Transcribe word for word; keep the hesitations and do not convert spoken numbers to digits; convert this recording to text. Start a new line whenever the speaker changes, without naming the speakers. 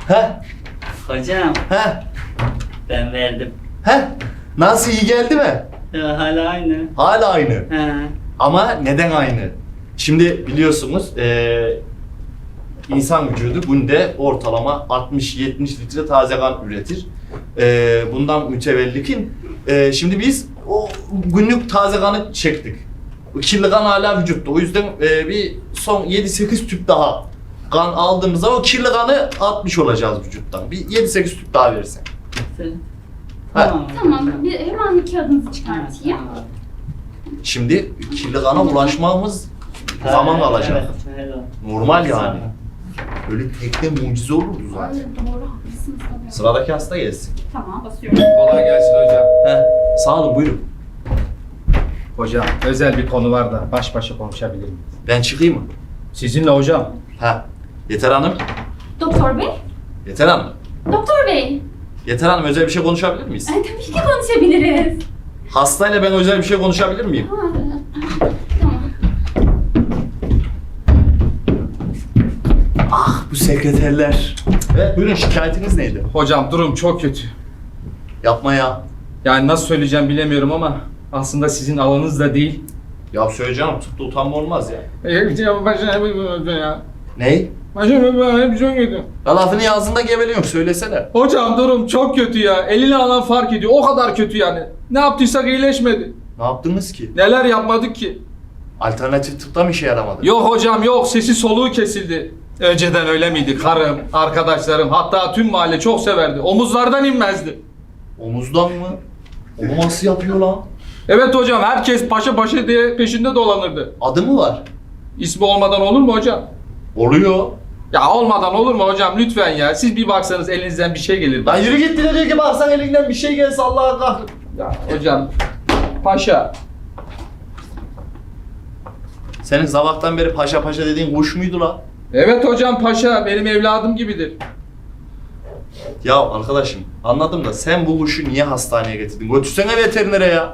He?
Hocam
He?
ben verdim.
He? Nasıl, iyi geldi mi?
Ya, hala aynı.
Hala aynı.
He.
Ama neden aynı? Şimdi biliyorsunuz eee insan vücudu günde ortalama altmış yetmiş litre taze kan üretir. Eee bundan mütevellikin eee şimdi biz o günlük taze kanı çektik. O kirli kan hala vücutta. O yüzden eee, bir son yedi sekiz tüp daha kan aldığımız zaman o kirli kanı atmış olacağız vücuttan. Bir yedi sekiz tüp daha verirsen.
Sen-
Ha.
Tamam.
Tamam, bir, hemen bir kağıdınızı çıkartayım.
Tamam.
Şimdi kirli kana ulaşmamız zaman alacak.
Evet, helal.
Normal yani. Böyle tekte mucize olurdu
Ay,
zaten.
doğru, haklısınız tabii.
Sıradaki hasta gelsin.
Tamam, basıyorum.
Kolay gelsin hocam.
Heh, sağ olun, buyurun.
Hocam özel bir konu var da baş başa konuşabilir miyiz?
Ben çıkayım mı?
Sizinle hocam.
Ha. Yeter Hanım.
Doktor bey,
Yeter Hanım.
doktor bey.
Yeter Hanım, özel bir şey konuşabilir miyiz?
Ay, tabii ki konuşabiliriz.
Hastayla ben özel bir şey konuşabilir miyim?
Ha, tamam.
Bu sekreterler. Evet, buyurun, şikayetiniz neydi?
Hocam durum çok kötü.
Yapma ya.
Yani nasıl söyleyeceğim bilemiyorum ama aslında sizin alanınız da değil.
Ya söyleyeceğim, tıpta utanma olmaz ya.
Ya.
Ney?
Hocam çok kötü.
Ya lafını ağzında geveliyorum, söylesene.
Hocam durum çok kötü ya. Elini alan fark ediyor. O kadar kötü yani. Ne yaptıysak iyileşmedi.
Ne yaptınız ki?
Neler yapmadık ki?
Alternatif tıpta mı işe yaramadı?
Yok hocam yok. Sesi soluğu kesildi. Önceden öyle miydi? Karım, arkadaşlarım, hatta tüm mahalle çok severdi. Omuzlardan inmezdi.
Omuzdan mı? Onu nasıl yapıyor lan?
Evet hocam, herkes paşa paşa diye peşinde dolanırdı.
Adı mı var?
İsmi olmadan olur mu hocam?
Oluyor.
Ya olmadan olur mu hocam, lütfen ya. Siz bir baksanız elinizden bir şey gelir.
Lan yürü git, diyor ki baksan elinden bir şey gelse Allah'a kahretsin.
Ya hocam, paşa.
Senin sabahtan beri paşa paşa dediğin kuş muydu lan?
Evet hocam, paşa benim evladım gibidir.
Ya arkadaşım, anladım da sen bu kuşu niye hastaneye getirdin? Götürsene veterinere ya.